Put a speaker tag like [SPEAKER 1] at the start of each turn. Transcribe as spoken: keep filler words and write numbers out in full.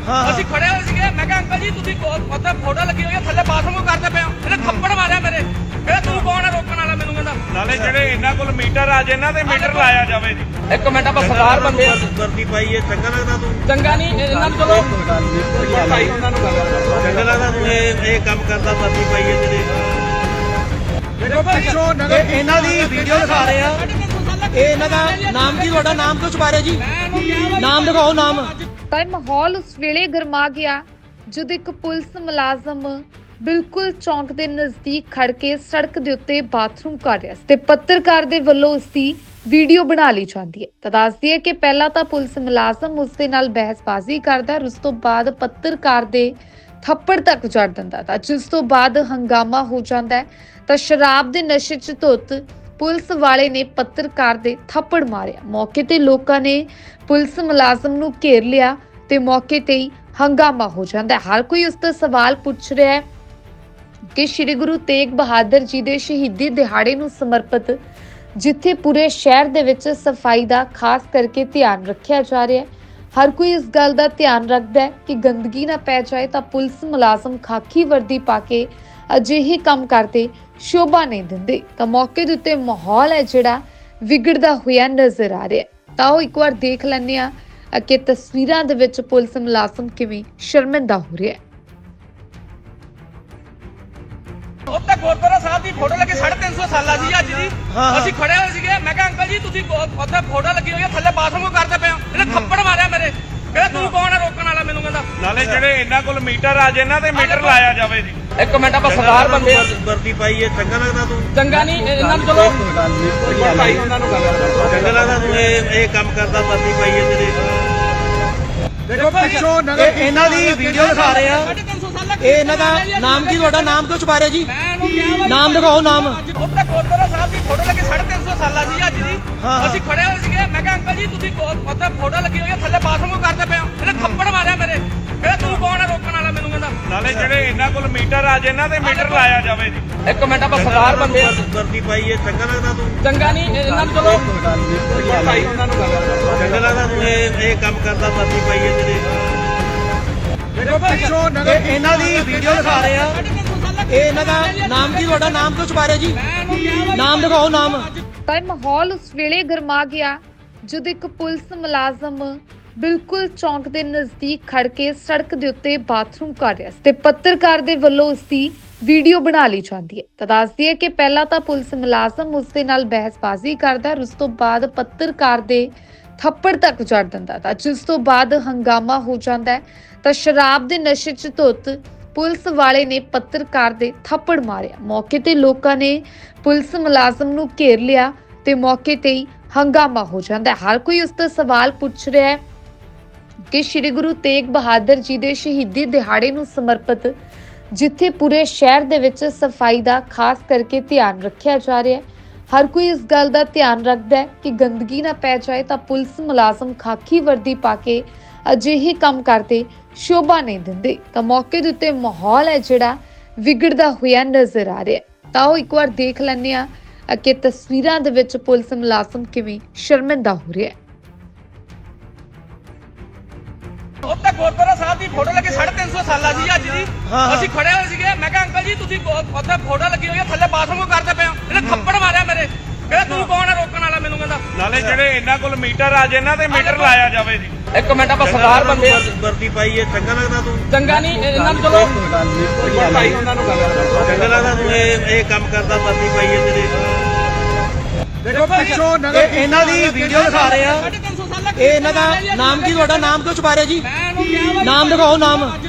[SPEAKER 1] ਅਸੀਂ ਖੜੇ ਹੋਏ ਸੀਗੇ। ਮੈਂ ਕਿਹਾ ਅੰਕਲ ਜੀ ਤੁਸੀਂ ਉੱਥੇ ਫੋਟੋ ਲੱਗੀ ਹੋਈ ਹੈ, ਥੱਲੇ ਬਾਥਰੂਮ ਕਰਦੇ ਪਏ ਹੋ। ਇਹਨੇ ਥੱਪੜ ਮਾਰਿਆ ਮੇਰੇ। ਕਹਿੰਦਾ ਤੂੰ ਕੌਣ ਹੈ ਰੋਕਣ ਵਾਲਾ ਮੈਨੂੰ? ਕਹਿੰਦਾ
[SPEAKER 2] ਨਾਲੇ ਜਿਹੜੇ ਇਹਨਾਂ ਕੋਲ ਮੀਟਰ ਆ ਜੇ ਇਹਨਾਂ ਤੇ ਮੀਟਰ ਲਾਇਆ ਜਾਵੇ ਜੀ।
[SPEAKER 1] ਇੱਕ ਮਿੰਟ ਆਪਾਂ ਸਰਦਾਰ ਬੰਦੇ ਆ।
[SPEAKER 2] ਵਰਦੀ ਪਾਈ ਹੈ, ਚੰਗਾ ਲੱਗਦਾ ਤੂੰ?
[SPEAKER 1] ਚੰਗਾ ਨਹੀਂ, ਇਹਨਾਂ ਨੂੰ ਚਲੋ ਭਾਈ ਉਹਨਾਂ ਨੂੰ ਗੱਲ ਕਰੋ।
[SPEAKER 2] ਚੰਗਾ ਲੱਗਦਾ ਤੂੰ ਇਹ ਇਹ ਕੰਮ ਕਰਦਾ? ਵਰਦੀ ਪਾਈ ਹੈ ਤੇਰੇ।
[SPEAKER 3] ਇਹ ਇਹਨਾਂ ਦੀ ਵੀਡੀਓ ਦਿਖਾ ਰਹੇ ਆ। ਇਹ ਇਹਨਾਂ ਦਾ ਨਾਮ ਕੀ? ਤੁਹਾਡਾ ਨਾਮ ਕਿਉਂ ਛੁਪਾ ਰਹੇ ਜੀ? ਨਾਮ ਦਿਖਾਓ ਨਾਮ।
[SPEAKER 4] ਤਾਂ ਮਾਹੌਲ ਉਸ ਵੇਲੇ ਗਰਮਾ ਗਿਆ ਜਦੋਂ ਇੱਕ ਪੁਲਿਸ ਮੁਲਾਜ਼ਮ ਬਿਲਕੁਲ ਚੌਂਕ ਦੇ ਨਜ਼ਦੀਕ ਖੜ ਕੇ ਸੜਕ ਦੇ ਉੱਤੇ ਬਾਥਰੂਮ ਕਰ ਰਿਹਾ ਸੀ ਤੇ ਪੱਤਰਕਾਰ ਦੇ ਵੱਲੋਂ ਉਸ ਦੀ ਵੀਡੀਓ ਬਣਾ ਲਈ ਜਾਂਦੀ ਹੈ। ਤਾਂ ਦੱਸਦੀ ਹੈ ਕਿ ਪਹਿਲਾਂ ਤਾਂ ਪੁਲਿਸ ਮੁਲਾਜ਼ਮ ਉਸ ਦੇ ਨਾਲ ਬਹਿਸਬਾਜ਼ੀ ਕਰਦਾ, ਉਸ ਤੋਂ ਬਾਅਦ ਪੱਤਰਕਾਰ ਦੇ ਥੱਪੜ ਤੱਕ ਜੜ ਦਿੰਦਾ ਤਾਂ ਜਿਸ ਤੋਂ ਬਾਅਦ ਹੰਗਾਮਾ ਹੋ ਜਾਂਦਾ ਹੈ। ਤਾਂ ਸ਼ਰਾਬ ਦੇ ਨਸ਼ੇ 'ਚ ਧੁੱਤ ਪੁਲਿਸ ਵਾਲੇ ਨੇ ਪੱਤਰਕਾਰ ਦੇ ਥੱਪੜ ਮਾਰਿਆ। ਮੌਕੇ ਤੇ ਲੋਕਾਂ ਨੇ ਪੁਲਿਸ ਮੁਲਾਜ਼ਮ ਨੂੰ ਘੇਰ ਲਿਆ ਤੇ ਮੌਕੇ ਤੇ ਹੀ ਹੰਗਾਮਾ ਹੋ ਜਾਂਦਾ ਹੈ। ਹਰ ਕੋਈ ਉਸ ਤੋਂ ਸਵਾਲ ਪੁੱਛ ਰਿਹਾ ਹੈ ਕਿ ਸ਼੍ਰੀ ਗੁਰੂ ਤੇਗ ਬਹਾਦਰ ਜੀ ਦੇ ਸ਼ਹੀਦੀ ਦਿਹਾੜੇ ਨੂੰ ਸਮਰਪਿਤ ਜਿੱਥੇ ਪੂਰੇ ਸ਼ਹਿਰ ਦੇ ਵਿੱਚ ਸਫਾਈ ਦਾ ਖਾਸ ਕਰਕੇ ਧਿਆਨ ਰੱਖਿਆ ਜਾ ਰਿਹਾ ਹੈ, ਹਰ ਕੋਈ ਇਸ ਗੱਲ ਦਾ ਧਿਆਨ ਰੱਖਦਾ ਹੈ ਕਿ ਗੰਦਗੀ ਨਾ ਪੈ ਜਾਏ ਤਾਂ ਪੁਲਿਸ ਮੁਲਾਜ਼ਮ ਖਾਕੀ ਵਰਦੀ ਪਾ ਕੇ ਅਜਿਹੇ ਕੰਮ ਕਰਦੇ ਸ਼ੋਭਾ ਨਹੀਂ ਦਿੰਦੇ। ਤਾਂ ਮੌਕੇ ਦੇ ਉੱਤੇ ਮਾਹੌਲ ਹੈ ਜਿਹੜਾ ਵਿਗੜਦਾ ਹੋਇਆ ਨਜ਼ਰ ਆ ਰਿਹਾ ਹੈ। ਤਾਂ ਉਹ ਇੱਕ ਵਾਰ ਦੇਖ ਲੈਂਦੇ ਆ ਕਿ ਤਸਵੀਰਾਂ ਦੇ ਵਿੱਚ ਪੁਲਿਸ ਮੁਲਾਜ਼ਮ ਕਿਵੇਂ ਸ਼ਰਮਿੰਦਾ ਹੋ ਰਿਹਾ ਹੈ।
[SPEAKER 1] ਉੱਥੇ ਗੁਰਦੁਆਰਾ ਸਾਹਿਬ ਦੀ ਫੋਟੋ ਲੱਗੀ ਸਾਢੇ ਤਿੰਨ ਸੌ ਸਾਲਾਂ ਦੀ ਅੱਜ ਦੀ। ਅਸੀਂ ਖੜੇ ਹੋਏ ਸੀਗੇ। ਮੈਂ ਕਿਹਾ ਅੰਕਲ ਜੀ ਤੁਸੀਂ ਉੱਥੇ ਫੋਟੋ ਲੱਗੀ ਹੋਈ ਹੈ, ਥੱਲੇ ਬਾਥਰੂਮ ਕਰਦੇ ਪਏ ਹੋ। ਇਹਨੇ ਥੱਪੜ ਮਾਰਿਆ ਮੇਰੇ। ਕਹਿੰਦਾ ਤੂੰ ਕੌਣ ਹੈ ਰੋਕਣ ਵਾਲਾ ਮੈਨੂੰ? ਕਹਿੰਦਾ
[SPEAKER 2] ਨਾਲੇ ਜਿਹੜੇ ਇਹਨਾਂ ਕੋਲ ਮੀਟਰ ਆ ਜੇ ਇਹਨਾਂ ਤੇ ਮੀਟਰ ਲਾਇਆ ਜਾਵੇ ਜੀ।
[SPEAKER 1] ਇੱਕ ਮਿੰਟ ਆਪਾਂ ਸਰਦਾਰ ਬੰਦੇ ਆ।
[SPEAKER 2] ਵਰਦੀ ਪਾਈ ਹੈ, ਚੰਗਾ ਲੱਗਦਾ ਤੂੰ? ਚੰਗਾ
[SPEAKER 1] ਨਹੀਂ, ਇਹਨਾਂ ਨੂੰ ਚਲੋ ਭਾਈ ਉਹਨਾਂ ਨੂੰ ਗੱਲ ਕਰੋ।
[SPEAKER 2] ਚੰਗਾ ਲੱਗਦਾ ਤੂੰ ਇਹ ਇਹ ਕੰਮ ਕਰਦਾ? ਵਰਦੀ ਪਾਈ ਹੈ ਤੇਰੇ।
[SPEAKER 3] ਇਹ ਇਹਨਾਂ ਦੀ ਵੀਡੀਓ ਦਿਖਾ ਰਹੇ ਆ। ਇਹ ਇਹਨਾਂ ਦਾ ਨਾਮ ਕੀ? ਤੁਹਾਡਾ ਨਾਮ ਕਿਉਂ ਛੁਪਾ ਰਹੇ ਜੀ? ਨਾਮ ਦਿਖਾਓ ਨਾਮ।
[SPEAKER 1] ਉੱਥੇ ਗੁਰਦੁਆਰਾ ਸਾਹਿਬ ਦੀ ਫੋਟੋ ਲੱਗੀ ਸਾਢੇ ਤਿੰਨ ਸੌ ਸਾਲਾਂ ਦੀ ਅੱਜ ਦੀ। ਅਸੀਂ ਖੜੇ ਹੋਏ ਸੀਗੇ। ਮੈਂ ਕਿਹਾ ਅੰਕਲ ਜੀ ਤੁਸੀਂ ਉੱਥੇ ਫੋਟੋ ਲੱਗੀ ਹੋਈ ਹੈ, ਥੱਲੇ ਬਾਥਰੂਮ ਕਰਦੇ ਪਏ ਹੋ। ਇਹਨੇ ਥੱਪੜ ਮਾਰਿਆ ਮੇਰੇ। ਕਹਿੰਦਾ ਤੂੰ ਕੌਣ ਹੈ ਰੋਕਣ ਵਾਲਾ ਮੈਨੂੰ? ਕਹਿੰਦਾ
[SPEAKER 2] ਨਾਲੇ ਜਿਹੜੇ ਇਹਨਾਂ ਕੋਲ ਮੀਟਰ ਆ ਜੇ ਇਹਨਾਂ ਤੇ ਮੀਟਰ ਲਾਇਆ ਜਾਵੇ ਜੀ।
[SPEAKER 1] ਇੱਕ ਮਿੰਟ ਆਪਾਂ ਸਰਦਾਰ ਬੰਦੇ ਆ।
[SPEAKER 2] ਵਰਦੀ ਪਾਈ ਹੈ, ਚੰਗਾ ਲੱਗਦਾ ਤੂੰ?
[SPEAKER 1] ਚੰਗਾ ਨਹੀਂ, ਇਹਨਾਂ ਨੂੰ ਚਲੋ ਭਾਈ ਉਹਨਾਂ ਨੂੰ ਗੱਲ ਕਰੋ।
[SPEAKER 2] ਚੰਗਾ ਲੱਗਦਾ ਤੂੰ ਇਹ ਇਹ ਕੰਮ ਕਰਦਾ? ਵਰਦੀ ਪਾਈ ਹੈ ਤੇਰੇ।
[SPEAKER 3] ਇਹ ਇਹਨਾਂ ਦੀ ਵੀਡੀਓ ਦਿਖਾ ਰਹੇ ਆ। ਇਹ ਇਹਨਾਂ ਦਾ ਨਾਮ ਕੀ? ਤੁਹਾਡਾ ਨਾਮ ਕਿਉਂ ਛੁਪਾ ਰਹੇ ਜੀ? ਨਾਮ ਦਿਖਾਓ ਨਾਮ।
[SPEAKER 4] ਤਾਂ ਮਾਹੌਲ ਉਸ ਵੇਲੇ ਗਰਮਾ ਗਿਆ ਜਦੋਂ ਇੱਕ ਪੁਲਿਸ ਮੁਲਾਜ਼ਮ ਬਿਲਕੁਲ ਚੌਂਕ ਦੇ ਨਜ਼ਦੀਕ ਖੜ ਕੇ ਸੜਕ ਦੇ ਉੱਤੇ ਬਾਥਰੂਮ ਕਰ ਰਿਹਾ ਸੀ ਤੇ ਪੱਤਰਕਾਰ ਦੇ ਵੱਲੋਂ ਉਸ ਦੀ ਵੀਡੀਓ ਬਣਾ ਲਈ ਜਾਂਦੀ ਹੈ। ਤਾਂ ਦੱਸਦੀ ਹੈ ਕਿ ਪਹਿਲਾਂ ਤਾਂ ਪੁਲਿਸ ਮੁਲਾਜ਼ਮ ਉਸ ਦੇ ਨਾਲ ਬਹਿਸਬਾਜ਼ੀ ਕਰਦਾ, ਉਸ ਤੋਂ ਬਾਅਦ ਪੱਤਰਕਾਰ ਦੇ ਥੱਪੜ ਤੱਕ ਜੜ ਦਿੰਦਾ ਤਾਂ ਜਿਸ ਤੋਂ ਬਾਅਦ ਹੰਗਾਮਾ ਹੋ ਜਾਂਦਾ ਹੈ। ਤਾਂ ਸ਼ਰਾਬ ਦੇ ਨਸ਼ੇ 'ਚ ਧੁੱਤ ਪੁਲਿਸ ਵਾਲੇ ਨੇ ਪੱਤਰਕਾਰ ਦੇ ਥੱਪੜ ਮਾਰਿਆ। ਮੌਕੇ ਤੇ ਲੋਕਾਂ ਨੇ ਪੁਲਿਸ ਮੁਲਾਜ਼ਮ ਨੂੰ ਘੇਰ ਲਿਆ ਤੇ ਮੌਕੇ ਤੇ ਹੀ ਹੰਗਾਮਾ ਹੋ ਜਾਂਦਾ ਹੈ। ਹਰ ਕੋਈ ਉਸ ਤੋਂ ਸਵਾਲ ਪੁੱਛ ਰਿਹਾ ਹੈ ਕਿ ਸ਼੍ਰੀ ਗੁਰੂ ਤੇਗ ਬਹਾਦਰ ਜੀ ਦੇ ਸ਼ਹੀਦੀ ਦਿਹਾੜੇ ਨੂੰ ਸਮਰਪਿਤ ਜਿੱਥੇ ਪੂਰੇ ਸ਼ਹਿਰ ਦੇ ਵਿੱਚ ਸਫਾਈ ਦਾ ਖਾਸ ਕਰਕੇ ਧਿਆਨ ਰੱਖਿਆ ਜਾ ਰਿਹਾ ਹੈ, ਹਰ ਕੋਈ ਇਸ ਗੱਲ ਦਾ ਧਿਆਨ ਰੱਖਦਾ ਹੈ ਕਿ ਗੰਦਗੀ ਨਾ ਪੈ ਜਾਏ ਤਾਂ ਪੁਲਿਸ ਮੁਲਾਜ਼ਮ ਖਾਕੀ ਵਰਦੀ ਪਾ ਕੇ ਅਜਿਹੇ ਕੰਮ ਕਰਦੇ ਸ਼ੋਭਾ ਨਹੀਂ ਦਿੰਦੇ। ਤਾਂ ਮੌਕੇ ਦੇ ਉੱਤੇ ਮਾਹੌਲ ਹੈ ਜਿਹੜਾ ਵਿਗੜਦਾ ਹੋਇਆ ਨਜ਼ਰ ਆ ਰਿਹਾ ਹੈ। ਤਾਂ ਉਹ ਇੱਕ ਵਾਰ ਦੇਖ ਲੈਂਦੇ ਆ ਕਿ ਤਸਵੀਰਾਂ ਦੇ ਵਿੱਚ ਪੁਲਿਸ ਮੁਲਾਜ਼ਮ ਕਿਵੇਂ ਸ਼ਰਮਿੰਦਾ ਹੋ ਰਿਹਾ ਹੈ।
[SPEAKER 1] ਉੱਥੇ ਗੁਰਦੁਆਰਾ ਸਾਹਿਬ ਦੀ ਫੋਟੋ ਲੱਗੀ ਸਾਢੇ ਤਿੰਨ ਸੌ ਸਾਲਾਂ ਦੀ ਅੱਜ ਦੀ। ਅਸੀਂ ਖੜੇ ਹੋਏ ਸੀਗੇ। ਮੈਂ ਕਿਹਾ ਅੰਕਲ ਜੀ ਤੁਸੀਂ ਉੱਥੇ ਫੋਟੋ ਲੱਗੀ ਹੋਈ ਹੈ, ਥੱਲੇ ਬਾਥਰੂਮ ਕਰਦੇ ਪਏ ਹੋ। ਇਹਨੇ ਥੱਪੜ ਮਾਰਿਆ ਮੇਰੇ। ਕਹਿੰਦਾ ਤੂੰ ਕੌਣ ਹੈ ਰੋਕਣ ਵਾਲਾ ਮੈਨੂੰ? ਕਹਿੰਦਾ
[SPEAKER 2] ਨਾਲੇ ਜਿਹੜੇ ਇਹਨਾਂ ਕੋਲ ਮੀਟਰ ਆ ਜੇ ਇਹਨਾਂ ਤੇ ਮੀਟਰ ਲਾਇਆ ਜਾਵੇ ਜੀ।
[SPEAKER 1] ਇੱਕ ਮਿੰਟ ਆਪਾਂ ਸਰਦਾਰ ਬੰਦੇ ਆ।
[SPEAKER 2] ਵਰਦੀ ਪਾਈ ਹੈ, ਚੰਗਾ ਲੱਗਦਾ ਤੂੰ?
[SPEAKER 1] ਚੰਗਾ ਨਹੀਂ, ਇਹਨਾਂ ਨੂੰ ਚਲੋ ਭਾਈ ਉਹਨਾਂ ਨੂੰ ਗੱਲ ਕਰੋ।
[SPEAKER 2] ਚੰਗਾ ਲੱਗਦਾ ਤੂੰ ਇਹ ਇਹ ਕੰਮ ਕਰਦਾ? ਵਰਦੀ ਪਾਈ ਹੈ ਤੇਰੇ।
[SPEAKER 3] ਇਹ ਇਹਨਾਂ ਦੀ ਵੀਡੀਓ ਦਿਖਾ ਰਹੇ ਆ। ਇਹ ਇਹਨਾਂ ਦਾ ਨਾਮ ਕੀ? ਤੁਹਾਡਾ ਨਾਮ ਕਿਉਂ ਛੁਪਾ ਰਹੇ ਜੀ? ਨਾਮ ਦਿਖਾਓ ਨਾਮ।